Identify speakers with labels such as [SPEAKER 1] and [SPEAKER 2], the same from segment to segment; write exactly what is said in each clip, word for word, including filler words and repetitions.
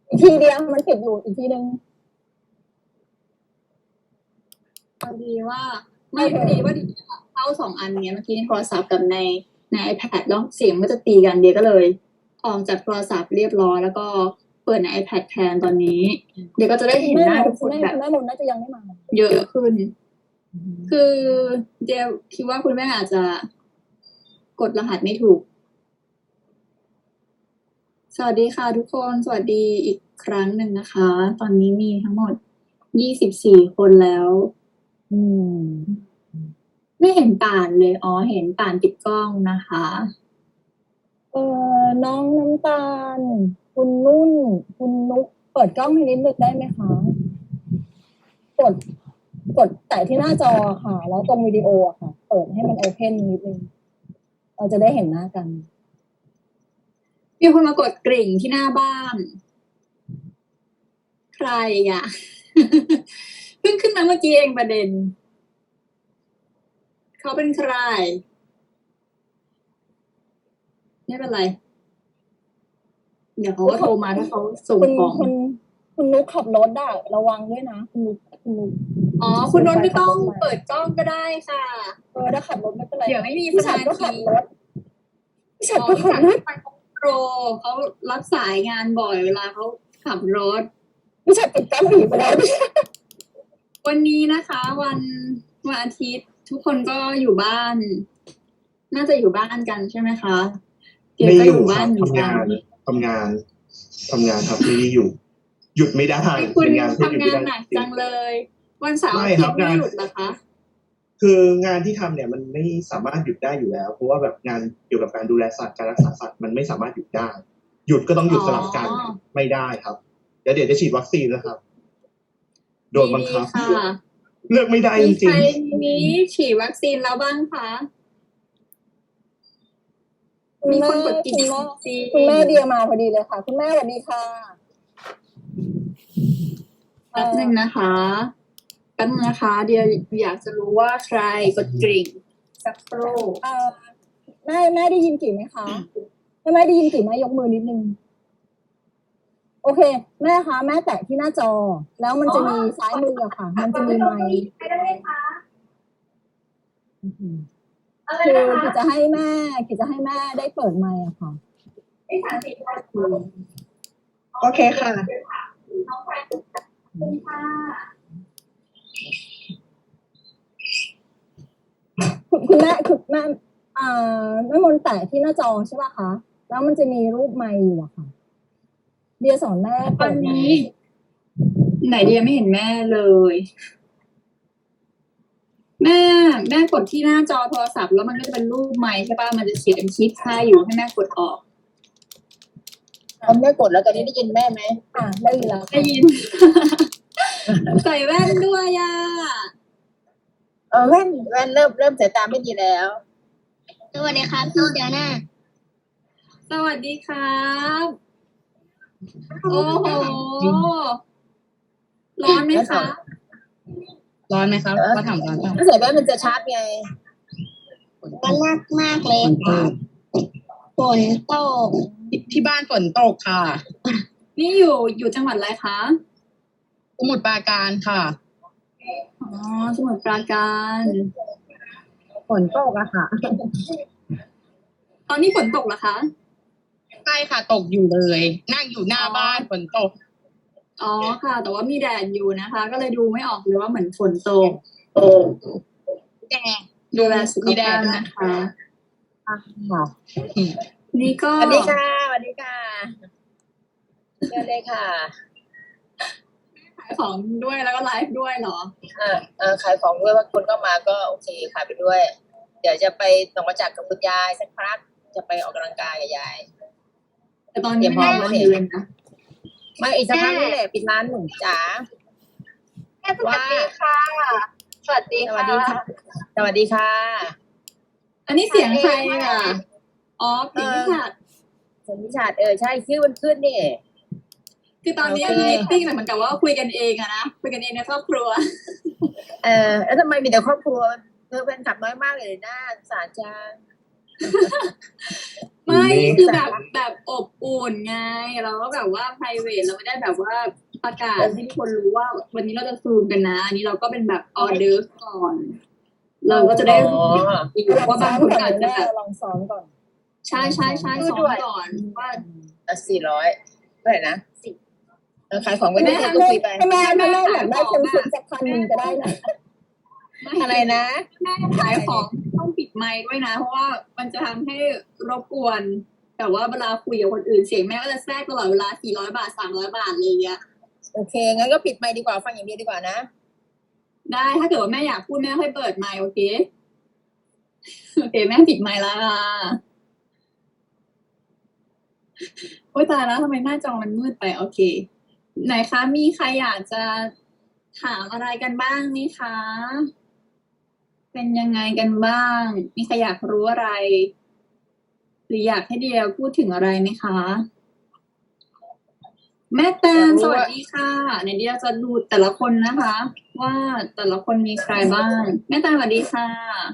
[SPEAKER 1] อีกทีเดียวมันติดอยู่อีกทีนึง
[SPEAKER 2] พอดีว่าไม่พอดีว่าดิเข้าสองอันเนี้ยเมื่อกี้ในโทรศัพท์กับในใน iPad แล้วเสียงมันก็จะตีกันเดียก็เลยออกจากโทรศัพท์เรียบร้อยแล้วก็เปิดใน iPad แทนตอนนี้เดี๋ยวก็จะได้เห็นหน้าทุกคนแบบ
[SPEAKER 1] แม่มนน่าจะยังไม่มา
[SPEAKER 2] เยอะขึ้นคือเดียคิดว่าคุณแม่อาจจะกดรหัสไม่ถูกสวัสดีค่ะทุกคนสวัสดีอีกครั้งหนึ่งนะคะตอนนี้มีทั้งหมดยี่สิบสี่คนแล้ว
[SPEAKER 1] อืม
[SPEAKER 2] ไม่เห็นป่านเลยอ๋อเห็นป่านปิดกล้องนะคะ
[SPEAKER 1] เออน้องน้ำตาลคุณนุ่นคุณนุ๊กเปิดกล้องให้นิดนึงได้ไหมคะกดกดแตะที่หน้าจอค่ะแล้วตรงวิดีโออะค่ะเปิดให้มันโอเพนนิดนึงเราจะได้เห็นหน้ากัน
[SPEAKER 2] มีคนมากดกริ่งที่หน้าบ้านใครอ่ะ เพิ่งขึ้นมาเมื่อกี้เองประเด็นเขาเป็นใครไม่เป็นไรเดี๋ยวเขาก็โทรมาถ้าเขาส่งของ
[SPEAKER 1] คุณคุณนุ๊กขับรถได้ระวังด้วยนะคุณนุ๊กคุณนุ๊ก
[SPEAKER 2] อ๋อคุณนนท์ไม่ต้องเปิดกล้องก็ได้ค่ะ
[SPEAKER 1] เออถ้าขับรถไม่เป็นไร
[SPEAKER 2] เดี๋ยวไม่มี
[SPEAKER 1] สมาธิพี่ฉันก็ขับรถ
[SPEAKER 2] ไปโปรเขารับสายงานบ่อยเวลาเขาขับรถ
[SPEAKER 1] พี่ฉันติดตั้งผีไปแล้ว
[SPEAKER 2] วันนี้นะคะ วันวันอาทิตย์ทุกคนก็อยู่บ้าน น่าจะอยู่บ้านกันใช่ไหมคะ
[SPEAKER 3] เดี๋ยวก็อยู่บ้านทำงานทำงานทำงานครับไม่ได้อยู่ หยุดไม่ได้
[SPEAKER 2] คุณทำงานหนักจังเลย วันเสาร์อาทิตย์ไม่หยุดเหรอคะ
[SPEAKER 3] คืองานที่ทำเนี่ยมันไม่สามารถหยุดได้อยู่แล้วเพราะว่าแบบงานเกี่ยวกับการดูแลสัตว์การรักษาสัตว์มันไม่สามารถหยุดได้หยุดก็ต้องหยุดสลับกันไม่ได้ครับเดี๋ยวเดี๋ยวจะฉีดวัคซีนนะครับโดนบังคับเลือกไม่ได้จริงๆ
[SPEAKER 2] ใครนี้ฉีดวัคซีนแล้วบ้างคะ
[SPEAKER 1] มีคนกดกิ่งคุณแม่เดียมาพอดีเลยค่ะคุณแม่สวัสดีค่ะ
[SPEAKER 2] แป๊บนึงนะคะแป๊บนึงนะคะเดียอยากจะรู้ว่าใครกดกริ่งสักครู่
[SPEAKER 1] แม่แม่ได้ยินกิ่งไหมคะถ้าแม่ได้ยินกิ่งแม่ยกมือนิดนึงโอเคแม่คะแม่แตะที่หน้าจอแล้วมันจะมีซ้ายมืออะค่ะมันจะมีไมค์คือกิจจะให้แม่กิจจะให้แม่ได้เปิดไมค์อะค่ะ
[SPEAKER 3] โอเคค่ะ
[SPEAKER 1] คุณแม่คือแม่อ่าแม่มนแตะที่หน้าจอใช่ป่ะคะแล้วมันจะมีรูปไมค์อยู่อะค่ะเดียสอนแม่
[SPEAKER 2] ตอนนี้ไหนเดียไม่เห็นแม่เลย แม่แม่กดที่หน้าจอโทรศัพท์แล้วมันก็จะเป็นรูปไมค์ใช่ป่ะมันจะเขียนคลิปค่าอยู่ให้แม่กดออก
[SPEAKER 1] ผมแม่กดแล้วตอนนี้ได้ยินแม่ไหมอ่าได้ยินแล้ว
[SPEAKER 2] ได้ยิน ใส่แว่นด้วยอ่ะ
[SPEAKER 1] เออแว่นแว่นเริ่มเริ่มสายตาไม่ดีแล้ว
[SPEAKER 2] สวัสดีครับพี่เดียน่าสวัสดีครับโอ้โหร้อนไหมคะ
[SPEAKER 4] ร้อนไหมครับมาถามร้อนป่ะ
[SPEAKER 1] ถ้าใส่แว่นมันจะชาร์จไง
[SPEAKER 2] มันมากมากเลยฝนตก
[SPEAKER 4] ที่บ้านฝนตกค่ะ
[SPEAKER 2] นี่อยู่อยู่จังหวัดอะไรคะ
[SPEAKER 4] สมุทรปราการค่ะ
[SPEAKER 2] อ๋อสมุทรปราการ
[SPEAKER 1] ฝนตกอะค่ะ
[SPEAKER 2] ตอนนี้ฝนตกเหรอคะ
[SPEAKER 4] ใช่ค่ะตกอยู่เลยนั่งอยู่หน้าบ้านฝนตก
[SPEAKER 2] อ๋อค่ะแต่ว่ามีแดดอยู่นะคะก็เลยดูไม่ออกเลยว่าเหมือนฝนตก
[SPEAKER 4] แดด
[SPEAKER 2] ดูแลสุขภาพนะคะ
[SPEAKER 1] ค่ะ
[SPEAKER 2] นี่ก็
[SPEAKER 1] สวัสดีค่ะสวัสดีค่ะเชิญเลยค่ะ
[SPEAKER 2] ขายของด้วยแล้วก็ไลฟ์ด้วยเหรอ
[SPEAKER 1] เออเออขายของด้วยว่าคนก็มาก็โอเคขายไปด้วยเดี๋ยวจะไปหนองประจักษ์กับคุณยายสักพักจะไปออกกำลังกายกับยาย
[SPEAKER 2] แต่ตอนนี้ไม่ได้มาเรียนนะ
[SPEAKER 1] มาอีกสักพักนี่แหละปิดร้านหนูจ๋า
[SPEAKER 2] สวัสดีค่ะสวัสดีค่ะ
[SPEAKER 1] สวัสดีค่ะ
[SPEAKER 2] อันนี้เสียงใครอ่ะอ๋อพิชาด
[SPEAKER 1] พิชาดเออใช่ชื่อมันขึ้นนี่
[SPEAKER 2] คือตอนนี้มีมิทติ้งเหมือนกับว่าคุยกันเองอะนะคุยกันเองในครอบครัว
[SPEAKER 1] เออแล้วทำไมมีแต่ครอบครัวเธอเป็นขับน้อยมากเลยนะสารจัง
[SPEAKER 2] ไม่
[SPEAKER 3] นี่
[SPEAKER 2] คือแบบแบบอบอุ่นไงเราก็แบบว่า private เราไม่ได้แบบว่าประกาศให้ทุกคนรู้ว่า วันนี้เราจะซูมกันนะ อันนี้เราก็เป็นแบบออเดอร์ก่อน เราก็จะได้รู้
[SPEAKER 1] ลอง
[SPEAKER 2] ว่า
[SPEAKER 1] ซ้
[SPEAKER 2] บา
[SPEAKER 1] อง ม
[SPEAKER 2] คน
[SPEAKER 1] ก่อน
[SPEAKER 2] อาจจะ
[SPEAKER 1] แม่
[SPEAKER 2] แบบ
[SPEAKER 1] ลองซ้อมก่อน
[SPEAKER 2] ใช่ใช่ใช่
[SPEAKER 4] พูด
[SPEAKER 2] ซ้อ
[SPEAKER 4] ด้
[SPEAKER 2] ม
[SPEAKER 4] วย
[SPEAKER 2] ก่อนว่า
[SPEAKER 4] อ่ะสี่ร้อยเท่าไหร่นะสิบเออขายของไปเรื่
[SPEAKER 1] แม่
[SPEAKER 4] อยๆก็คุยไป
[SPEAKER 1] ถ้าแม่ถ้าแม่
[SPEAKER 2] แม่
[SPEAKER 1] อยากได้
[SPEAKER 2] ขายของ
[SPEAKER 1] เค็ม
[SPEAKER 2] อะ
[SPEAKER 1] ๆสักพันหนึ่งก็ได้นะ
[SPEAKER 4] อะไรนะ
[SPEAKER 2] แม่ขายของต้องปิดไมค์ด้วยนะ เพราะว่ามันจะทำให้รบกวนแต่ว่าเวลาคุยกับคนอื่นเสียงแม่ก็จะแทรกตลอดเวลาสี่ร้อยบาทสามร้อยบาทอะไรอย่างเงี้ย
[SPEAKER 4] โอเค งั้นก็ปิดไมค์ดีกว่าฟังอย่างเดียวดีกว่านะ
[SPEAKER 2] ได้ถ้าเกิดว่าแม่อยากพูดแม่ค่อยเปิดไมค์โอเคโอเค แม่ปิดไมค์แล้วค่ะโอ๊ยตายแล้วทำไมหน้าจอมันมืดไปโอเค ไหนคะมีใครอยากจะถามอะไรกันบ้างไหมคะ เป็นยังไงกันบ้าง มีใครอยากรู้อะไร หรืออยากให้เดียพูดถึงอะไรไหมคะ แม่แตน
[SPEAKER 4] อยากรู้
[SPEAKER 2] สวัส
[SPEAKER 4] ว่า
[SPEAKER 2] ดีค่ะในเดียจะดูแต่ละคนนะคะ ว่าแต่ละคนมีใครบ้าง แม่แตนสวัสดีค่ะ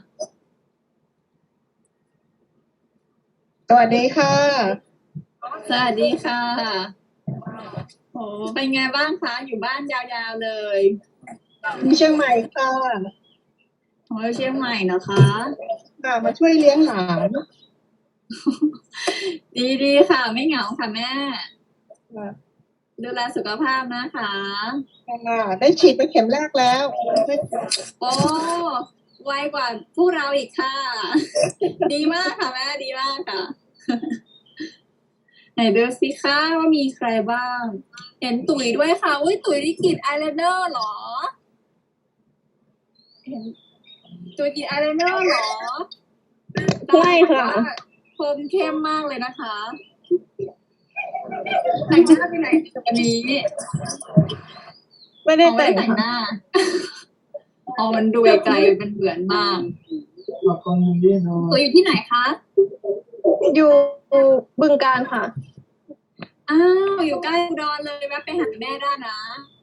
[SPEAKER 4] สวัสดีค่ะ
[SPEAKER 2] สวัสดีค่ะโอ้เป็นไงบ้างคะ อยู่บ้านยาวๆเลย
[SPEAKER 4] ที่เชียงใหม่ค่ะ
[SPEAKER 2] โอ้ยเชียงใหม่นะคะ
[SPEAKER 4] ค่ะ มาช่วยเลี้ยงหลาน
[SPEAKER 2] ดีๆค่ะ ไม่เหงาค่ะแม่ ดูแลสุขภาพนะคะ
[SPEAKER 4] ค่ะได้ฉีดไปเข็มแรกแล้ว
[SPEAKER 2] โอ้ไวกว่าพวกเราอีกค่ะ ดีมากค่ะแม่ดีมากค่ะ ไหนดูสิคะว่ามีใครบ้าง เห็นตุ๋ยด้วยค่ะ อุ้ยตุ๋ยนี่กรีดอายไลเนอร์เหรอ เห็นตุ๋ยกรีดอายไลเนอร์เหรอ
[SPEAKER 1] ใช่ค่ะ
[SPEAKER 2] คมเข้มมากเลยนะคะ แต่งหน้าไปไหนวันนี้
[SPEAKER 4] ไม่ได้
[SPEAKER 2] อ๋อไม่
[SPEAKER 4] แต่
[SPEAKER 2] ได้
[SPEAKER 4] ง
[SPEAKER 2] แต่งห
[SPEAKER 4] ค่ะ
[SPEAKER 2] น้า อ๋อมันดูไกลๆมันเหมือนมากตุ๋ยอยู่ที่ไหนคะ
[SPEAKER 1] อยู่บึงการค่ะ
[SPEAKER 2] อ้าวอยู่ใกล้อุดรเลยแวะไปหาแม่ได้นะ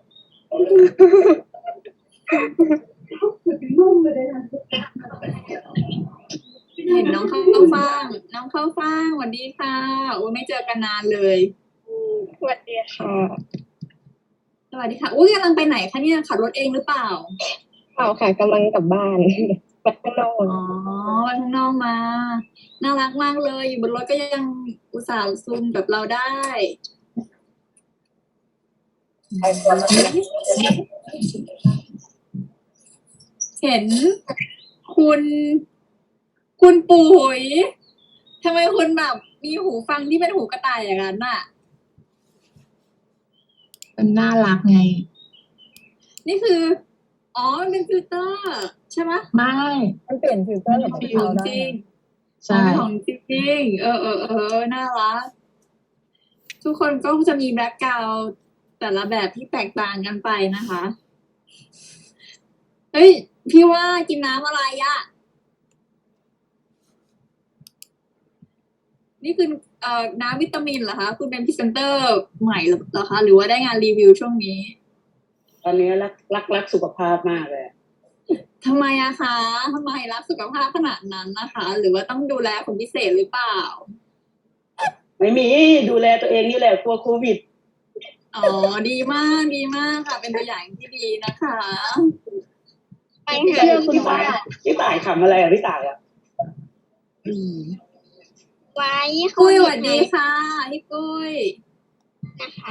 [SPEAKER 2] เห็นน้องเข้าฟ่าง น้องเข้าฟ่างสวัสดีค่ะโอ้ยไม่เจอกันนานเลย
[SPEAKER 1] สวัสดีค่ะ
[SPEAKER 2] สวัสดีค่ะอุ้ยกำลังไปไหนคะเนี่ยขับรถเองหรือเปล่า
[SPEAKER 1] เปล่าค่ะกำลังกลับบ้าน ไปข้างนอก
[SPEAKER 2] อ๋อไปข้างนอกมา น่ารักมากเลย อยู่บนรถก็ยังอุตส่าห์ซูมกับเราได้ เห็นคุณ คุณปุ๋ยทำไมคุณแบบมีหูฟังที่เป็นหูกระต่ายอย่างนั้นน่ะ
[SPEAKER 4] มันน่ารักไง
[SPEAKER 2] นี่คือ อ๋อมันเป็นฟิลเตอร์ ใช่ไหม
[SPEAKER 4] ไม่
[SPEAKER 1] มันเปลี่ยนฟิลเตอร์กับ
[SPEAKER 2] ข
[SPEAKER 1] เขา
[SPEAKER 2] อง
[SPEAKER 1] ได้
[SPEAKER 2] จริง
[SPEAKER 4] ใช่
[SPEAKER 2] อ๋อเป็นของจริงเออเออเออน่ารัก ทุกคนก็จะมีแบ็คกราวด์แต่ละแบบที่แตกต่างกันไปนะคะ เฮ้ย พี่ว่ากินน้ำอะไรอะนี่คือเอ่อน้ำวิตามินเหรอคะ คุณเป็นพรีเซนเตอร์ใหม่เหรอคะ หรือว่าได้งานรีวิวช่วงนี้
[SPEAKER 5] ตอนนี้รักรักรักสุขภาพมากเลย
[SPEAKER 2] ทำไมอะคะทำไมรักสุขภาพขนาดนั้นนะคะ หรือว่าต้องดูแลคนพิเศษหรือเปล่า
[SPEAKER 5] ไม่มีดูแลตัวเองนี่แหละกลัวโควิด
[SPEAKER 2] อ๋อ ดีมาก ดีมากค่ะ เป็นตัวอย่างที่ดีนะคะ
[SPEAKER 1] ไปหาคุณ
[SPEAKER 5] พี่
[SPEAKER 1] ป้า
[SPEAKER 5] ต่ายพี่ต่ายขำอะไรอ่ะพี่ต่ายอ่ะ
[SPEAKER 1] ไว้
[SPEAKER 2] กุ้ยสวัสดีค่ะพี่กุ้ย
[SPEAKER 1] นะคะ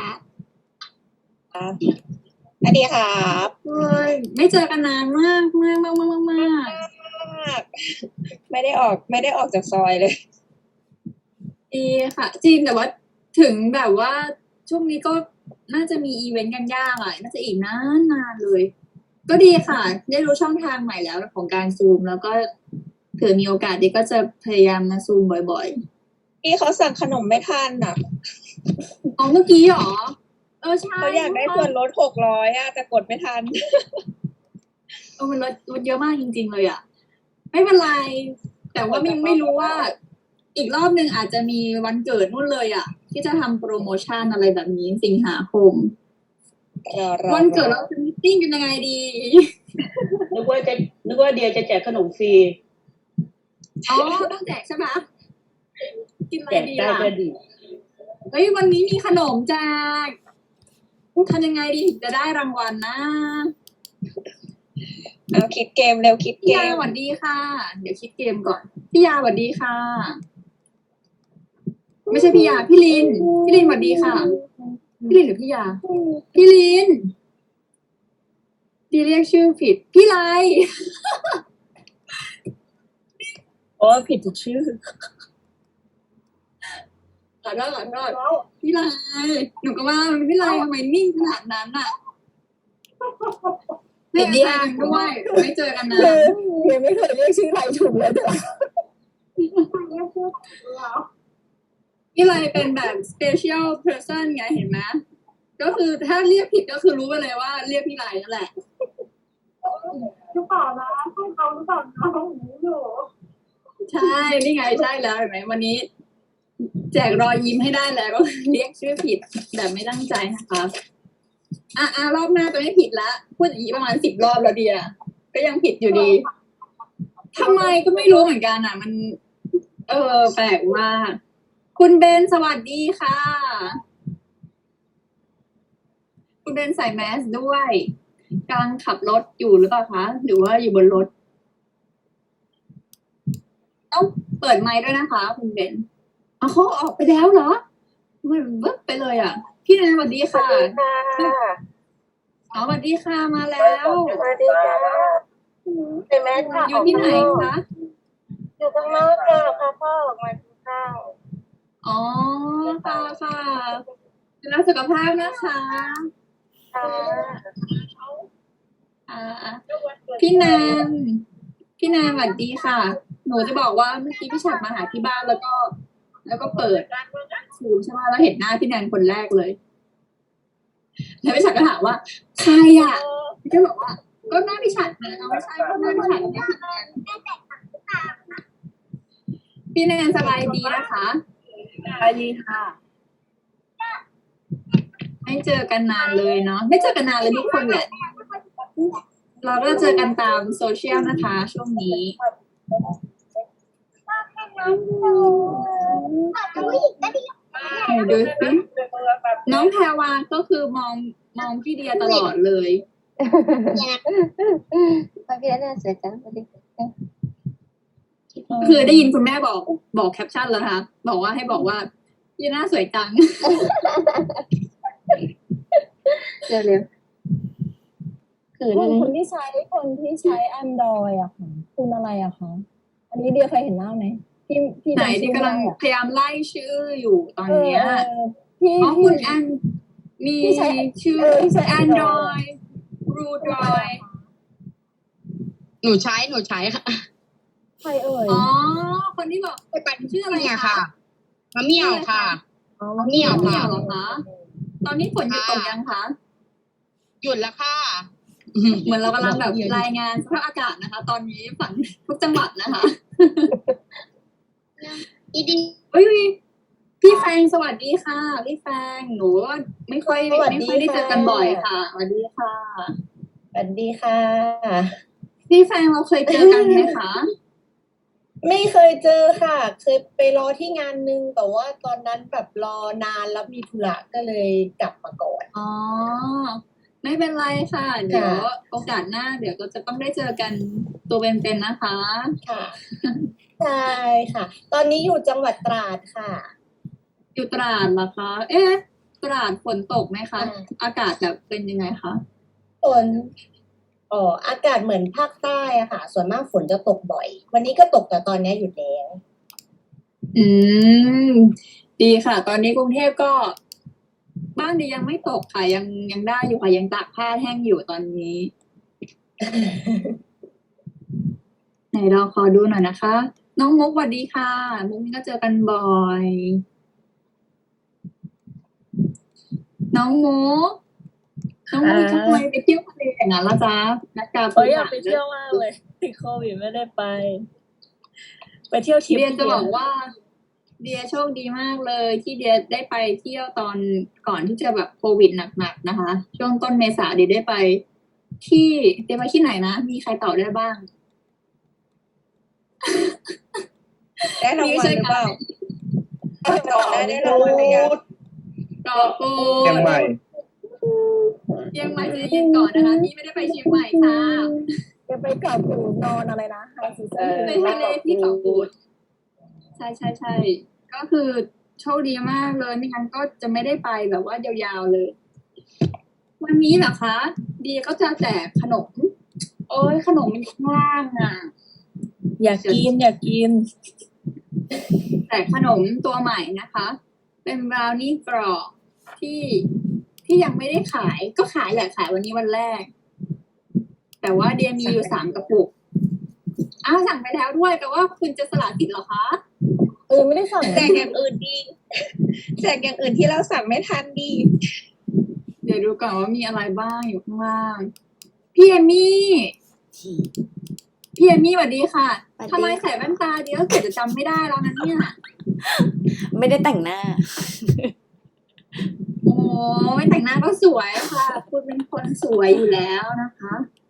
[SPEAKER 1] สวัสดีครับ
[SPEAKER 2] กุ้ยไม่เจอกันนานมากมากมากมากมาก
[SPEAKER 1] ไม่ได้ออกไม่ได้ออกจากซอยเลย
[SPEAKER 2] ดีค่ะ จริงแต่ว่าถึงแบบว่าช่วงนี้ก็น่าจะมีอีเวนต์กันยากอ่ะ น่าจะอีกนานนานเลย ก็ดีค่ะ ได้รู้ช่องทางใหม่แล้วของการซูม แล้วก็เผื่อมีโอกาสดีก็จะพยายามมาซูมบ่อย
[SPEAKER 1] พี่เขาสั่งขนมไม่ทันอ่ะ
[SPEAKER 2] ๆอ๋อเมื่อกี้เหรอ เออใช่
[SPEAKER 1] เขาอยากได้ส่วนลดหกร้อยอ่ะแต่กดไม่ทัน
[SPEAKER 2] เออมันลดลดเยอะมากจริง ๆ เลยอ่ะ ไม่เป็นไร แต่ว่าไม่ไม่รู้ว่า อีกรอบหนึ่งอาจจะมีวันเกิดนู่นเลยอ่ะ ที่จะทำโปรโมชั่นอะไรแบบนี้สิงหาคม วันเกิดเราจะมิทติ้งกันยังไงดี
[SPEAKER 5] นึกว่าจะนึกว่าเดียจะแจกขนมฟรี
[SPEAKER 2] อ๋อต้องแจกใช่ไหมกินอะไร
[SPEAKER 5] แจก
[SPEAKER 2] ดี
[SPEAKER 5] ได้
[SPEAKER 2] ล่ะ
[SPEAKER 5] ก็ดี
[SPEAKER 2] เฮ้ยวันนี้มีขนมแจกทำยังไงดีถึงจะได้รางวัลนะ
[SPEAKER 6] เอาคิดเกมเร็วคิดเก
[SPEAKER 2] พี่ยาม สวัสดีค่ะ เดี๋ยวคิดเกมก่อนพี่ยาสวัสดีค่ะ ไม่ใช่พี่ยาพี่ลินพี่ลินสวัสดีค่ะพี่ลินหรือพี่ยาพี่ลินพี่เรียกชื่อผิดพี่ไล
[SPEAKER 6] โอ้ผิดทุกชื่อ
[SPEAKER 2] ขอโทษขอโทษพี่ไลหนูก็ว่ามันพี่ไลทำไมนิ่งขนาดนั้นอ่ะไม่เจอกันด้วยไม่เจอกันนะ
[SPEAKER 1] คือยังไม่เคยเรียกชื่อใครถูกเลยแต่ละ
[SPEAKER 2] พี่ไลเป็นแบบ special person ไงเห็นไหมก็คือถ้าเรียกผิดก็คือรู้ไปเลยว่าเรียกพี่ไลนั่นแหละ
[SPEAKER 1] หรือเปล่านะให้เขาหรือเปล่านะเขาหูอยู่
[SPEAKER 2] ใช่ นี่ไงใช่แล้วเห็นไหมวันนี้ แจกรอยยิ้มให้ได้แล้วก็เรียกชื่อผิดแบบไม่ตั้งใจนะคะอ่ะอ่ะรอบหน้าจะไม่ผิดละพูดอย่างนี้ประมาณสิบรอบแล้วเดียก็ยังผิดอยู่ดีทำไมก็ไม่รู้เหมือนกันอ่ะ มัน เออ แปลกมากคุณเบนสวัสดีค่ะ คุณเบนใส่แมสด้วยกำลังขับรถอยู่หรือเปล่าคะหรือว่าอยู่บนรถต้องเปิดไมค์ด้วยนะคะ คุณเบนอ๋อเขาออกไปแล้วเหรอทำไมมันเบิบไปเลยอ่ะ พี่แนนสวัสดีค่ะอ๋อสวัสดีค่ะมาแล้ว
[SPEAKER 6] สวัสดีค่ะเป็นแม่ค่ะ
[SPEAKER 2] อยู่ที่ไหนคะ
[SPEAKER 6] อยู่ข้างนอกค่ะพาพ่อออกมากินข้าว
[SPEAKER 2] อ๋อค่ะค่ะดูแลสุขภาพนะคะ
[SPEAKER 6] ค่ะ
[SPEAKER 2] อ่าพี่แนนพี่แนนสวัสดีค่ะ หนูจะบอกว่าเมื่อกี้พี่ฉัดมาหาที่บ้านแล้วก็ แล้วก็เปิดซูมใช่ไหมแล้วเห็นหน้าพี่แนนคนแรกเลย แล้วพี่ฉัดก็ถามว่าใครอ่ะพี่ก็บอกว่า ก็หน้าพี่ฉัดนะเอาไม่ใช่ก็หน้าพี่ฉัดเนี่ยพี่แนนพี่แนนสบายดีนะคะ
[SPEAKER 6] สวัสดีค่ะ
[SPEAKER 2] ไม่เจอกันนานเลยเนาะไม่เจอกันนานเลยทุกคนแหละ เราก็เจอกันตามโซเชียลนะคะ ช่วงนี้ไหนดูสิน้องแพรวาก็คือมองมองพี่เดียตลอดเลย
[SPEAKER 6] มาพี่แน่เสียจังสวัสดีค่ะ
[SPEAKER 2] คือได้ยินคุณแม่บอกบอกแคปชั่นแล้วนะคะบอกว่าให้บอกว่าพี่หน้าสวยจัง
[SPEAKER 6] เร็วเร็วๆคือ
[SPEAKER 1] คุ
[SPEAKER 6] อะ
[SPEAKER 1] ณ
[SPEAKER 6] ไร
[SPEAKER 1] คนที่ใช้คนที่ใช้ Android อะค่ะคุณอะไรอะคะอันนี้เดียเคยเห็นหน้าไหมพี่พี่
[SPEAKER 2] ไหน
[SPEAKER 1] จำชื่
[SPEAKER 2] ที่
[SPEAKER 1] อก
[SPEAKER 2] ำลัง
[SPEAKER 1] ไม่ได้อะ
[SPEAKER 2] พยายามไล่ชื่ออยู่ตอนเนี้ย
[SPEAKER 1] เออพี่
[SPEAKER 2] อ๋อ
[SPEAKER 1] พี่
[SPEAKER 2] คุณแอนมี
[SPEAKER 1] ที่ใช้
[SPEAKER 2] ชื่อ
[SPEAKER 1] เออที่ใช้
[SPEAKER 2] Android รูดอย
[SPEAKER 4] หนูใช้หนูใช้ค่ะ
[SPEAKER 1] ใครเอ่ย
[SPEAKER 2] อ๋อ คนที่บอกไปปั่นชื่ออะไร
[SPEAKER 4] เนี่ย
[SPEAKER 2] คะ
[SPEAKER 4] ค่ะมะเหมี่ยวค่ะ
[SPEAKER 1] อ๋อ
[SPEAKER 4] มะเหมี่ยว
[SPEAKER 2] เหนี
[SPEAKER 4] ค่ะ
[SPEAKER 2] ยวเหรอคะ ตอนนี้ฝนหยุดตกยังคะ
[SPEAKER 4] หยุดแล้วค่ะ
[SPEAKER 2] เหมือนเรากำลังแบบรายงานสภาพอากาศนะคะ ตอนนี้ฝันทุกจังหวัดนะคะ
[SPEAKER 4] อีดี
[SPEAKER 2] เฮ้ยพี่แฟงสวัสดีค่ะ พี่แฟงหนูว่าไม่ค่อย
[SPEAKER 6] สวัส
[SPEAKER 2] ไม่
[SPEAKER 6] ดี
[SPEAKER 2] ค่อยได้เจอกัน
[SPEAKER 6] ค่ะ
[SPEAKER 2] บ่อยค่ะสวัสดีค่ะ
[SPEAKER 6] สวัสดีค่ะ
[SPEAKER 2] พี่แฟงเราเคยเจอกันไหมคะ
[SPEAKER 6] ไม่เคยเจอค่ะ เคยไปรอที่งานนึงแต่ว่าตอนนั้นแบบรอนานแล้วมีธุระก็เลยกลับมาก่อน
[SPEAKER 2] อ๋อ ไม่เป็นไรค่ะ เดี๋ยวโอกาสหน้า เดี๋ยวก็จะต้องได้เจอกันตัวเป็นๆนะคะ
[SPEAKER 6] ค่ะ ใช่ค่ะ ตอนนี้อยู่จังหวัดตราดค่ะ
[SPEAKER 2] อยู่ตราดเหรอคะ เอ๊ะ ตราดฝนตกไหมคะ
[SPEAKER 6] อ่า
[SPEAKER 2] อากาศแบบเป็นยังไงคะ
[SPEAKER 6] ฝนอ๋ออากาศเหมือนภาคใต้อะค่ะ ส่วนมากฝนจะตกบ่อย วันนี้ก็ตกแต่ตอนนี้หยุดแล้ว
[SPEAKER 2] อืม ดีค่ะ ตอนนี้กรุงเทพก็ บ้านดียังไม่ตกค่ะ ยังยังได้อยู่ค่ะ ยังตากผ้าแห้งอยู่ตอนนี้ ไหนเราขอดูหน่อยนะคะ น้องมุกสวัสดีค่ะ มุกนี่ก็เจอกันบ่อย น้องมุกน้องมุกทำไมไปเที่ยวทะเลอย่างนั้นล่ะจ๊ะนักการ
[SPEAKER 7] เอ้ยอยากไปเที่ยวมากเลยติดโควิดไม่ได้ไป ไปเที่ยวทริป
[SPEAKER 2] เดียจะ
[SPEAKER 7] ดีว
[SPEAKER 2] บอกว่า เดียโชคดีมากเลย ที่เดียได้ไปเที่ยวตอนก่อนที่จะแบบโควิดหนักๆนะคะ ช่วงต้นเมษาเดียได้ไป ที่เดียไปที่ไหนนะ มีใครตอบได้บ้าง
[SPEAKER 6] ได้รางวัลหรือเปล่าตอบได้ได้รางวัลอะไรอย่าง
[SPEAKER 2] ตอบกู
[SPEAKER 3] เชียงใหม่
[SPEAKER 2] เชียงใหม่จะยินก่อนนะคะนี่ไม่ได้ไปเชียงใหม่ค่ะ
[SPEAKER 1] จะไปเกาะกูดนอนอะไรนะไฮซี
[SPEAKER 6] เอ
[SPEAKER 1] ซั่น
[SPEAKER 6] อ
[SPEAKER 2] ไปทะเลที่เกาะกูดใช่ใช่ใช่ก็คือโชคดีมากเลยไม่งั้นก็จะไม่ได้ไปแบบว่ายาวๆเลย วันนี้เหรอคะ ดีก็จะแจกขนม โอ้ยขนมมันอยู่ข้างล่างอ่ะ
[SPEAKER 7] อยากกินอยากกิน
[SPEAKER 2] แต่ขนมตัวใหม่นะคะ เป็นบราวนี่กรอบที่ที่ยังไม่ได้ขาย ก็ขายแหละขายวันนี้วันแรก แต่ว่าเดียมีอยู่สามกระปุกอ้าวสั่งไปแล้วด้วยแต่ว่าคุณจะสละสิทธิ์เหรอคะ
[SPEAKER 1] เออไม่ได้สั่ง
[SPEAKER 6] แจกอย่างอื่นดีแจกอย่างอื่นที่เราสั่งไม่ทันดี
[SPEAKER 2] เดี๋ยวดูก่อนว่ามีอะไรบ้างอยู่ข้างล่างพี่เอมี่พี่เอมี่สวัสดีค่ะ
[SPEAKER 8] สวัสดี
[SPEAKER 2] ทำไมใส่แว่นตาเดี๋ยวเกิดจะจำไม่ได้แล้วนะเนี่ย
[SPEAKER 8] ไม่ได้แต่งหน้า
[SPEAKER 2] โอ้ยแต่งหน้าก็สวยค่ะ คุณเป็นคนสวยอยู่แล้วนะคะ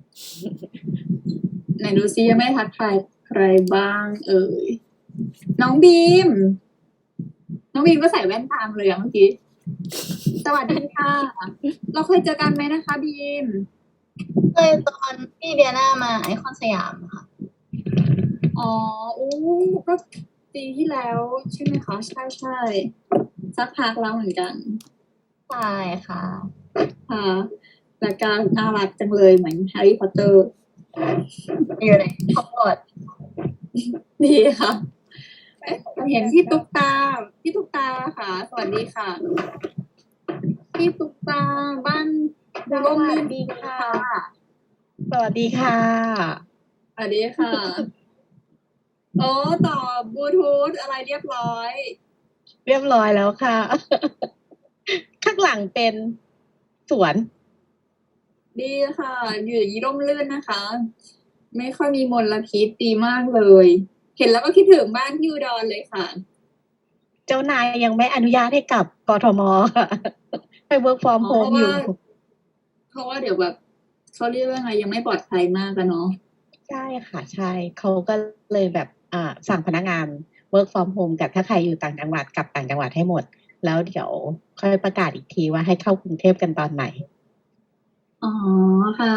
[SPEAKER 2] ไหนดูซิยังไม่ทักทายใครบ้าง เอ่ยน้องบีม น้องบีมก็ใส่แว่นตามเลยอะเมื่อกี้ สวัสดีค่ะ เราเคยเจอกันไหมนะคะบีม
[SPEAKER 9] เคยตอนพี่เดียน่ามาไอคอนสยามอะค่ะ
[SPEAKER 2] อ๋ออู้ก็ปีที่แล้วใช่ไหมคะ ใช่ใช่สักพักแล้วเหมือนกัน
[SPEAKER 9] ใช่ค่ะ
[SPEAKER 2] ค่ะรายการน่ารักจังเลยเหมือนแฮร์รี่พอตเตอร์
[SPEAKER 9] อยู่ในท็อปบอร์ด
[SPEAKER 2] ดีค่ะเอ๊ะเห็นพี่ตุ๊กตา พี่ตุ๊กตาค่ะ สวัสดีค่ะ พี่ตุ๊กตาบ้านดูร่มรื่นดีค่ะ
[SPEAKER 6] สวัสดีค่ะ
[SPEAKER 2] สวัสดีค่ะ โอ้ต่อบลูทูธอะไรเรียบร้อย
[SPEAKER 6] เรียบร้อยแล้วค่ะ ข้างหลังเป็นสวน
[SPEAKER 2] ดีค่ะ อยู่อย่างนี้ร่มรื่นนะคะ ไม่ค่อยมีมลพิษดีมากเลย เห็นแล้วก็คิดถึงบ้านที่อุดรเลยค่ะ
[SPEAKER 6] เจ้านายยังไม่อนุญาตให้กลับกทมค่ะให้ work from
[SPEAKER 2] อ๋อ
[SPEAKER 6] home อยู่
[SPEAKER 2] เพราะว่าเดี๋ยวแบบเขาเรียกว่าไงยังไม่ปลอดภัยมากอะเนาะ
[SPEAKER 6] ใช่ค่ะ ใช่เขาก็เลยแบบอ่าสั่งพนักงาน work from home กับถ้าใครอยู่ต่างจังหวัดกลับต่างจังหวัดให้หมด แล้วเดี๋ยวค่อยประกาศอีกทีว่าให้เข้ากรุงเทพกันตอนไหน
[SPEAKER 2] อ๋อค่ะ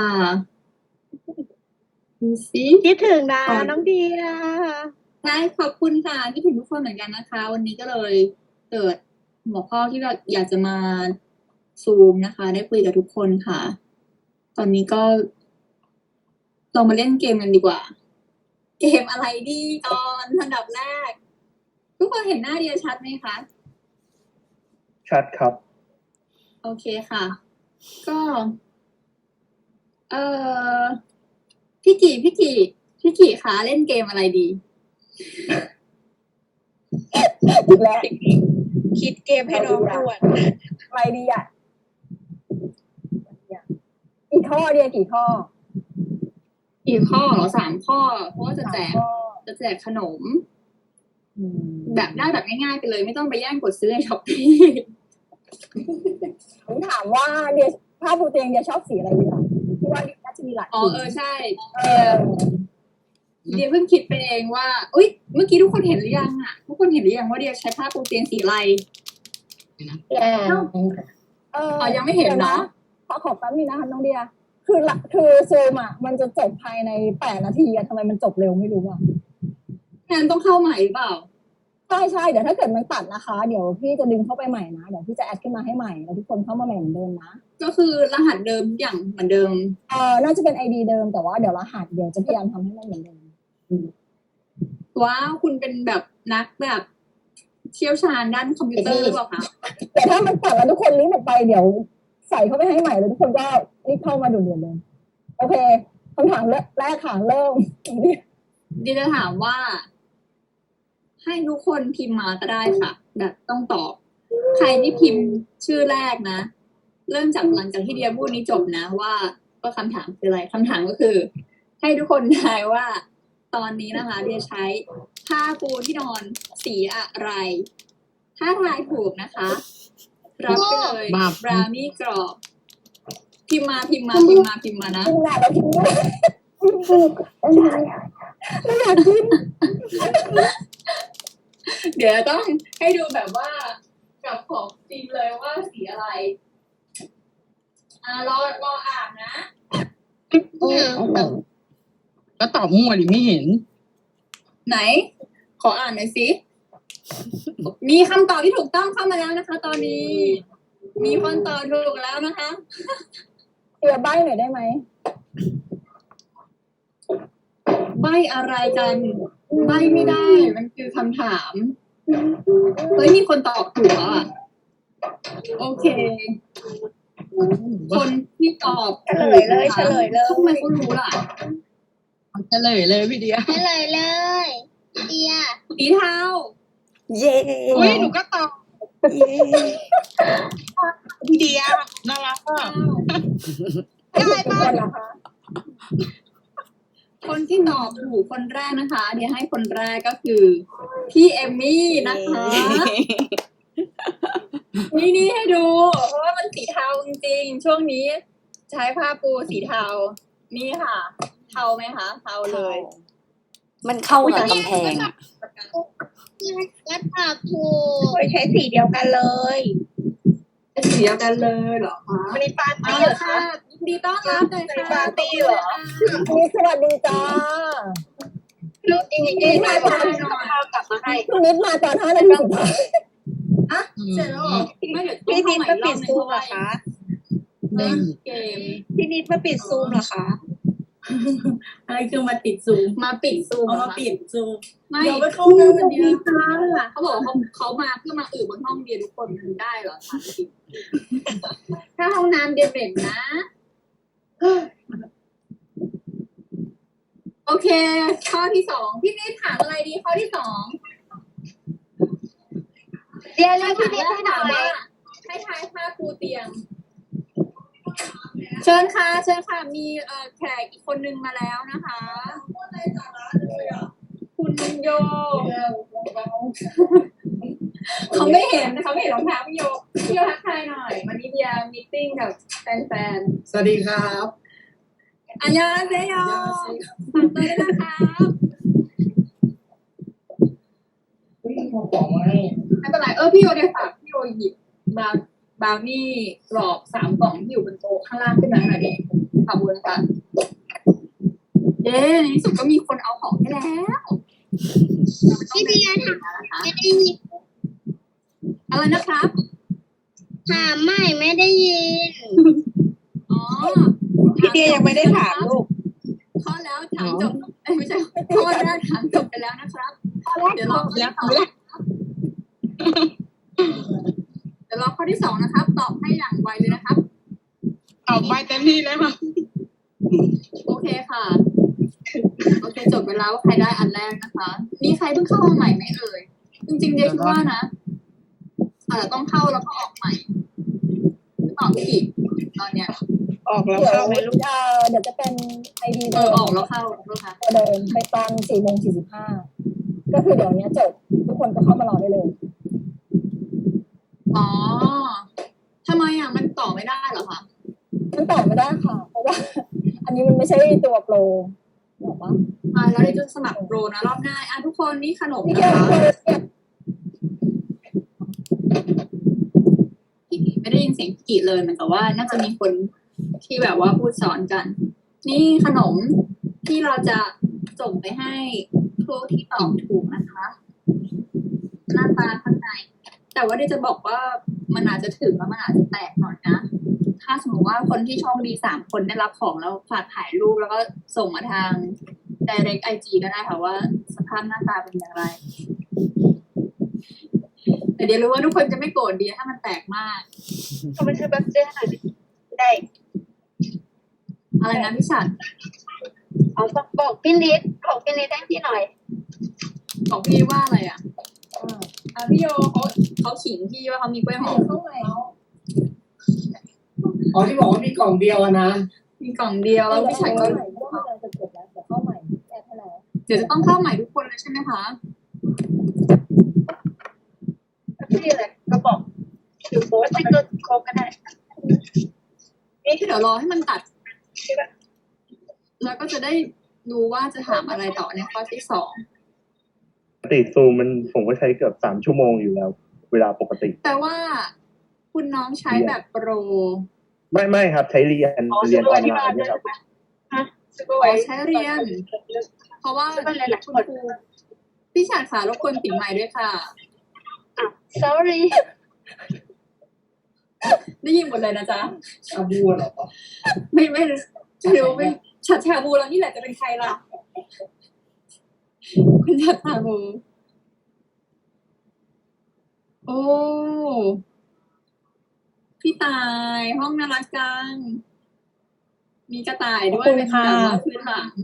[SPEAKER 2] ดูสิ
[SPEAKER 6] คิดถึงนะ
[SPEAKER 2] อ๋อ
[SPEAKER 6] น้องเดีย
[SPEAKER 2] ใช่ขอบคุณค่ะคิดถึงทุกคนเหมือนกันนะคะ วันนี้ก็เลยเกิดหัวข้อที่เราอยากจะมาซูมนะคะ ได้คุยกับทุกคนค่ะ ตอนนี้ก็เรามาเล่นเกมกันดีกว่า เกมอะไรดีก่อนอันดับแรก ทุกคนเห็นหน้าเดียชัดไหมคะ
[SPEAKER 3] ชัดครับ
[SPEAKER 2] โอเคค่ะ ก็ เออพี่กี่พี่กี่พี่กี่คะเล่นเกมอะไรดี
[SPEAKER 1] อีกแล้ว
[SPEAKER 6] คิดเกมให้น้องด่วน
[SPEAKER 1] อะไรดีอ่ะกี่ข้อเดียกี่ข้อ
[SPEAKER 2] อีกข้อเหรอสามข้อ เพราะว่าจะแจก
[SPEAKER 1] สามข้อ
[SPEAKER 2] จะแจกขนม
[SPEAKER 1] อืม
[SPEAKER 2] แบบได้แบบง่ายๆไปเลย ไม่ต้องไปแย่งกดซื้อในช้อปปี้
[SPEAKER 1] ผมถามว่าเดียผ้าปูเตียงเดียชอบสีอะไรดีอ่ะที่ว่าน่าจะมีหลาย
[SPEAKER 2] อ๋อ
[SPEAKER 1] สี
[SPEAKER 2] เออใช่
[SPEAKER 1] เอ
[SPEAKER 2] เดีย
[SPEAKER 1] อ
[SPEAKER 2] เดียเพิ่งคิดไปเองว่าอุ้ยเมื่อกี้ทุกคนเห็นหรือยังอ่ะทุกคนเห็นหรือยังว่าเดียใช้ผ้าปูเตียงสีอะไร
[SPEAKER 9] แย่
[SPEAKER 1] เออ
[SPEAKER 2] อ๋อยังไม่เห็น
[SPEAKER 1] ดี๋ยว
[SPEAKER 2] เนอะ
[SPEAKER 1] ขอขอแป๊บนึงนะคะน้องเดีย คือละคือซูมอ่ะ มันจะจบภายในแปดนาทีอะทำไมมันจบเร็วไม่รู้อ่ะ
[SPEAKER 2] งั้นต้องเข้าใหม่หรือเปล่า
[SPEAKER 1] ใช่ใช่เดี๋ยวถ้าเกิดมันตัดนะคะ เดี๋ยวพี่จะดึงเข้าไปใหม่นะ เดี๋ยวพี่จะแอดขึ้นมาให้ใหม่แล้วทุกคนเข้ามาใหม่เหมือนเดิมนะ
[SPEAKER 2] ก็คือรหัสเดิมทุกอย่างเหมือนเดิม
[SPEAKER 1] เออน่าจะเป็นไอดีเดิมแต่ว่าเดี๋ยวรหัสเดี๋ยวจะพยายามทำให้มันเหมือนเดิม
[SPEAKER 2] ว้าวคุณเป็นแบบนักแบบเชี่ยวชาญด้านคอมพิวเตอร์หรือเปล่าคะ
[SPEAKER 1] แต่ถ้ามันตัดแล้วทุกคนลิงก์ออกไปเดี๋ยวใส่เข้าไปให้ใหม่แล้วทุกคนก็รีบเข้ามาด่วนๆเลยโอเคคำถามแรกค่ะเริ่ม
[SPEAKER 2] ดิจะถามว่า ให้ทุกคนพิมพ์มาก็ได้ค่ะ แบบต้องตอบ ใครที่พิมพ์ชื่อแรกนะ เริ่มจากหลังจากที่เดียพูดนี้จบนะว่าว่าคำถามคืออะไรคำถามก็คือ ให้ทุกคนทายว่า ตอนนี้นะคะ เดียใช้ผ้าปูที่นอนสีอะไร ถ้าทายถูกนะคะ รับไปเลย
[SPEAKER 4] บาป
[SPEAKER 2] บราวนี่กรอบ พิมพ์มาพิมพ์มาพิมพ์มาพิมพ์มานะ
[SPEAKER 1] พิมพ์หน้าแล้วพิมพ์ด้วยพิมพ์ถูกไม่อยากกิน
[SPEAKER 2] เดี๋ยวต้องให้ดูแบบว่ากับของจริงเลยว่าสีอะไร อ่ารอรออ่านนะ
[SPEAKER 4] ก็ตอบมั่วดิไม่เห็น
[SPEAKER 2] ไหน ขออ่านหน่อยสิ มีคำตอบที่ถูกต้องเข้ามาแล้วนะคะ ตอนนี้ มีคนตอบถูกแล้วนะคะ
[SPEAKER 1] เดี๋ยวใบ้หน่อยได้ไหม
[SPEAKER 2] ใบอะไรกัน ใบไม่ได้ มันคือคำถาม เฮ้ย มีคนตอบถูกแล้วอ่ะ โอเค คนที่ตอบ
[SPEAKER 9] เฉลยเลยเฉลยเลย
[SPEAKER 2] ทำไมเขารู้ล่ะ
[SPEAKER 4] เฉลยเลยพี่เดีย
[SPEAKER 9] เฉลยเลยเดีย
[SPEAKER 2] สีเทา
[SPEAKER 8] เย้
[SPEAKER 4] อุ้ยหนูก็ตอบ
[SPEAKER 8] เย้
[SPEAKER 4] พี่เดียน่ารักอ่ะ
[SPEAKER 9] ได้
[SPEAKER 1] ทุก
[SPEAKER 9] ปะ
[SPEAKER 1] คนนะคะ
[SPEAKER 2] คนที่ตอบถูกคนแรกนะคะ เดี๋ยวให้คนแรกก็คือ พี่เอมมี่นะคะ นี่นี่ให้ดู เพราะว่ามันสีเทาจริงๆ ช่วงนี้ ใช้ผ้าปูสีเทา นี่ค่ะ เทาไหมคะ เทาเลย
[SPEAKER 8] มันเข้ากับกำแพงอะ
[SPEAKER 9] ก็ตอบถูก
[SPEAKER 6] เคยใช้สีเดียวกันเลย
[SPEAKER 2] เป็นสีเดียวกันเลยเหรอคะ
[SPEAKER 6] วันนี้ปาร์
[SPEAKER 2] เอา
[SPEAKER 6] ตี้เหร
[SPEAKER 2] ละ
[SPEAKER 6] อ
[SPEAKER 2] ค่ะ
[SPEAKER 6] คะ
[SPEAKER 2] ยินดีต้อนรับเลยค่ะ
[SPEAKER 6] ปาร์ตี้เหรอ
[SPEAKER 1] นี่สวัสดีจ้า
[SPEAKER 2] ลูกจริงจริงๆมาตอนหน่อย
[SPEAKER 6] กลับมาให้
[SPEAKER 1] คุณนิดมาตอนห้านาทีสุดท้าย
[SPEAKER 2] อ่ะเสร็จแล้วเหรอไม่เดี๋ยว
[SPEAKER 6] พี่นิดมาปิดซูมเหรอคะ
[SPEAKER 2] เล่นเกม
[SPEAKER 6] พี่นิดมาปิดซูมเหรอคะ
[SPEAKER 2] อะไรคือมาติดซูมมาปิดซูม
[SPEAKER 7] เอามาปิดซูม
[SPEAKER 2] ไม่
[SPEAKER 7] เดี๋ยวไปเข้าห้องน้ำ
[SPEAKER 2] เดียวค่ะเขาบอกว่าเขาเขามาเพื่อมาอืบบนห้องเดียวทุกคนมันได้เหรอคะถ้าห้องน้ำเดียวเด่นนะ โอเค ข้อที่สองพี่นิดถามอะไรดีข้อที่สอง
[SPEAKER 9] เดียเรียกพี่นิดให้หน่
[SPEAKER 2] ถา
[SPEAKER 9] อ
[SPEAKER 2] ม
[SPEAKER 9] ย
[SPEAKER 2] ว่าให้ทายผ้าปูเตียง เชิญค่ะเชิญค่ะมีเอ่อแขกอีกคนนึงมาแล้วนะคะ คุณโยเขาไม่เห็นเขาไม่เห็นรองเท้าพี่โยพี่โยทักทายหน่อยวันนี้เบียร์มีตติ้งกับแฟน
[SPEAKER 10] สวัสดีครับ
[SPEAKER 2] ๆอันยองเซโยฝากตัวด้วยนะครับไม่เป็นไรเออพี่โยเดี๋ยวฝากพี่โยหยิบบราวบราวนี่กรอบสามกล่องที่อยู่บนโต๊ะข้างล่างขึ้นมาหน่อยดิขอบคุณค่ะเย้ในที่สุดก็มีคนเอาของให้แล้ว
[SPEAKER 9] พี่เดียถาม
[SPEAKER 2] นะคะ
[SPEAKER 9] ไม่ได้ยิน
[SPEAKER 2] อะไรนะครับ
[SPEAKER 9] ถามไม่ไม่ได้ยิน
[SPEAKER 2] อ๋อ
[SPEAKER 6] พี่เดียยังไม่ได้ถามลูก
[SPEAKER 2] ข้อแล้วถามจบเอ้ยไม่ใช่ข้อแรกถามจบไปแล้วนะครับ เดี๋ยวรอข้อที่สองเดี๋ยวรอข้อที่สองนะครับ ตอบให้อย่างไวเลยนะครับ
[SPEAKER 4] ตอบไปเต็มที่เลยค่ะ
[SPEAKER 2] โอเคค่ะ โอเคจบไปแล้วว่าใครได้อันแรกนะคะ มีใครเพิ่งเข้ามาใหม่ไหมเอ่ย จริงๆเดียคิดว่านะอาจจะต้องเข้าแล้วก็ออกใหม่หรือเปล่าพี่กิจตอนเนี้ย
[SPEAKER 6] ออกแล้ว
[SPEAKER 1] เดี๋ยว
[SPEAKER 6] เข้าไหมลูก
[SPEAKER 1] เอ่อเดี๋ยวจะเป็นไอดี
[SPEAKER 2] เอ
[SPEAKER 1] เดิ
[SPEAKER 2] อ
[SPEAKER 1] ม
[SPEAKER 2] ออกแล้วเข้าแล้วค่ะ
[SPEAKER 1] ตัวเดิมไปตอนสี่โมงสี่สิบห้าก็คือเดี๋ยวนี้จบทุกคนก็เข้ามารอได้เลย
[SPEAKER 2] อ๋อทำไมอ่ะมันต่อไม่ได้เหรอคะ
[SPEAKER 1] มันต่อไม่ได้ค่ะ เพราะว่า อันนี้มันไม่ใช่ตัวโปรบอกว่า
[SPEAKER 2] อ่าแล้วเดี๋ยวจะสมัครโปรนะรอบหน้าอ่ะทุกคนนี่ขนม
[SPEAKER 1] นี่
[SPEAKER 2] นะ
[SPEAKER 1] แค่
[SPEAKER 2] คะ
[SPEAKER 1] โปรเนี่ย
[SPEAKER 2] พี่กิไม่ได้ยินเสียงพี่กิเลยเหมือนกับว่าน่าจะมีคนที่แบบว่าพูดสอนกัน นี่ขนมที่เราจะส่งไปให้ผู้ที่ตอบถูกนะคะ หน้าตาข้างในแต่ว่าเดี๋ยวจะบอกว่ามันอาจจะถึงแล้วมันอาจจะแตกหน่อยนะ ถ้าสมมติว่าคนที่โชคดีสามคนได้รับของแล้วฝากถ่ายรูปแล้วก็ส่งมาทาง direct ไอ จี ก็ได้ค่ะว่าสภาพหน้าตาเป็นอย่างไร แต่เดี๋ยวรู้ว่าทุกคนจะไม่โกรธเดียถ้ามันแตกมาก
[SPEAKER 6] เขาไปซื้อบัตเจอร์หน่อยดิได้
[SPEAKER 2] อะไรนะพี่ชัด
[SPEAKER 9] เอาบอกบอกพี่นิดบอกพี่นิดให้พี่หน่อย
[SPEAKER 2] บอกพี่ว่าอะไรอ่ะอ่ะพี่โยเขาเขาขิงพี่ว่าเขามีกล้วยหอม
[SPEAKER 1] เข้าใหม่
[SPEAKER 10] อ๋อที่บอกว่ามีกล่องเดียวอะนะ
[SPEAKER 2] มีกล่องเดียวแล้วพี่ชัดก็
[SPEAKER 1] เข้าใหม่เพราะว่ามันจะจบแล้วเดี๋ยวเข้าใหม่แก้ให้แล้ว
[SPEAKER 2] เดี๋ยวจะต้องเข้าใหม่ทุกคนเลยใช่ไหมคะ
[SPEAKER 6] พี่อะไรก็บอกถือโค้ดสติ๊กเกอร์โค้ดก็ได้
[SPEAKER 2] เดี๋ยวรอให้มันตัด แล้วก็จะได้รู้ว่าจะถามอะไรต่อในข้อที่สอง
[SPEAKER 3] ปกติซูมมันผมก็ใช้เกือบสามชั่วโมงอยู่แล้ว เวลาปกติ
[SPEAKER 2] แต่ว่าคุณน้องใช้แบบโปร
[SPEAKER 3] ไม่ไม่ครับ ใช้เรียน
[SPEAKER 5] อ๋อ
[SPEAKER 3] เรียนออน
[SPEAKER 5] ที่
[SPEAKER 3] ไล
[SPEAKER 5] บ้าน
[SPEAKER 3] น์
[SPEAKER 5] ด้
[SPEAKER 3] เนี่
[SPEAKER 5] วย
[SPEAKER 3] ยครับ
[SPEAKER 5] ใช่ไหมฮะซูเปอร์
[SPEAKER 2] อ๋
[SPEAKER 5] ไว
[SPEAKER 2] อใช้เรียน เพราะว่า
[SPEAKER 5] ซูเปอร์หลายๆ
[SPEAKER 2] คุ
[SPEAKER 5] ค
[SPEAKER 2] ณ
[SPEAKER 5] น
[SPEAKER 2] ครูพี่ฉาดค่ะรบกวนปิดไมค์ด้วยค่ะ
[SPEAKER 9] sorry
[SPEAKER 2] ได้ยินหมดเลยนะจ๊ะ
[SPEAKER 10] ชาบูเหรอ
[SPEAKER 2] ไม่ไม่ไม่รู้ไม่ชัดชาบูแล้วนี่แหละจะเป็นใครล่ะ คุณชัดชาบู โอ้ พี่ตายห้องน่ารักจัง มีกระต่ายด้วยเป็นแบบว่าพื้นหลัง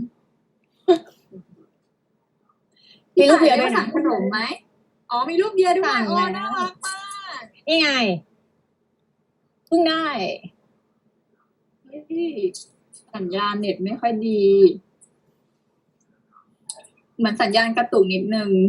[SPEAKER 6] มีลูกเบียร์
[SPEAKER 2] พี่
[SPEAKER 6] ด้
[SPEAKER 2] ตา
[SPEAKER 6] วย
[SPEAKER 2] ได้
[SPEAKER 6] นะ
[SPEAKER 2] สั่งขนมไหมอ๋อมีลูกเบียร์ด้วย
[SPEAKER 6] สั่ง
[SPEAKER 2] โอ้
[SPEAKER 6] แล้ว
[SPEAKER 2] น่ารักมาก
[SPEAKER 6] นี่ไงเพิ่งได้
[SPEAKER 2] เฮ้ยสัญญาณเน็ตไม่ค่อยดี เหมือนสัญญาณกระตุกนิดนึง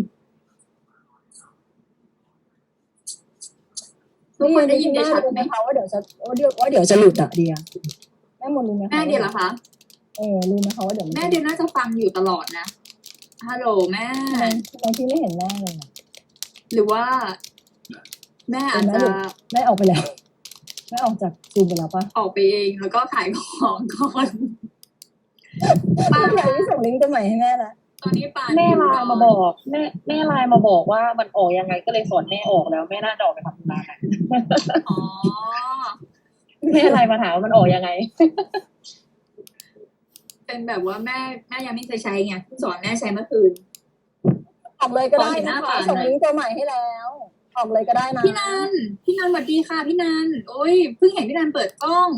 [SPEAKER 2] ทุกคนได้ยินได้ชัด
[SPEAKER 1] รู้
[SPEAKER 2] ไห
[SPEAKER 1] ไห
[SPEAKER 2] ม
[SPEAKER 1] มคะว่าเดี๋ยวจะว่าเดี๋ยวว่าเดี๋ยวจะหลุดอะเดียแม่มนรู้ไหมคะ
[SPEAKER 2] แม่เดียวเหรอคะ
[SPEAKER 1] เออรู้ไหมคะว่าเดี๋ยว
[SPEAKER 2] แม่เดียวน่าจะฟังอยู่ตลอดนะฮัลโหลแม่
[SPEAKER 1] ทำไมทำไมพี่ไม่เห็นแม่เลยอะ
[SPEAKER 2] หรือว่า แม่อาจจะ
[SPEAKER 1] แม่ออกไปแล้วแม่ออกจากซูมไปแล้วปะ
[SPEAKER 2] ออกไปเองแล้วก็ขายของก่อนป้า
[SPEAKER 1] พี่อยากที่ส่งลิงก์ตัวใหม่ให้แม่ละ
[SPEAKER 2] ตอนนี้ป้า
[SPEAKER 5] แม่ไลน์มาบอก แม่แม่ไลน์มาบอกว่ามันออกยังไงก็เลยสอนแม่ออกแล้วแม่น่าจะออกไปทำงานอะ
[SPEAKER 2] อ๋อ
[SPEAKER 5] แม่ไลน์มาถามว่ามันออกยังไง
[SPEAKER 2] เป็นแบบว่าแม่แม่ยังไม่เคยใช้ไงเพิ่งสอนแม่ใช้เมื่อคืน
[SPEAKER 1] ออกเลยก็ได้
[SPEAKER 2] ขอเห็นห
[SPEAKER 1] นะ
[SPEAKER 2] น้า
[SPEAKER 1] คะ
[SPEAKER 2] ป่านหน่อย
[SPEAKER 1] ส่งลิงก์ตัวใหม่ให้แล้วออกเลยก็ได้นะ
[SPEAKER 2] พี่นันพี่นันสวัสดีค่ะพี่นันโอ้ยเพิ่งเห็นพี่นันเปิดกล้อง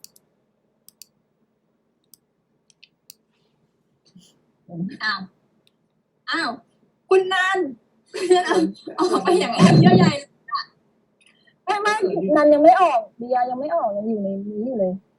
[SPEAKER 2] อ้าวอ้าวคุณนันคุณนันออกไปอย่างไรเยอะใหญ่
[SPEAKER 1] ไม่ไม่นันยังไม่ออกเดียยังไม่ออกยังอยู่ในนี้อยู่เลย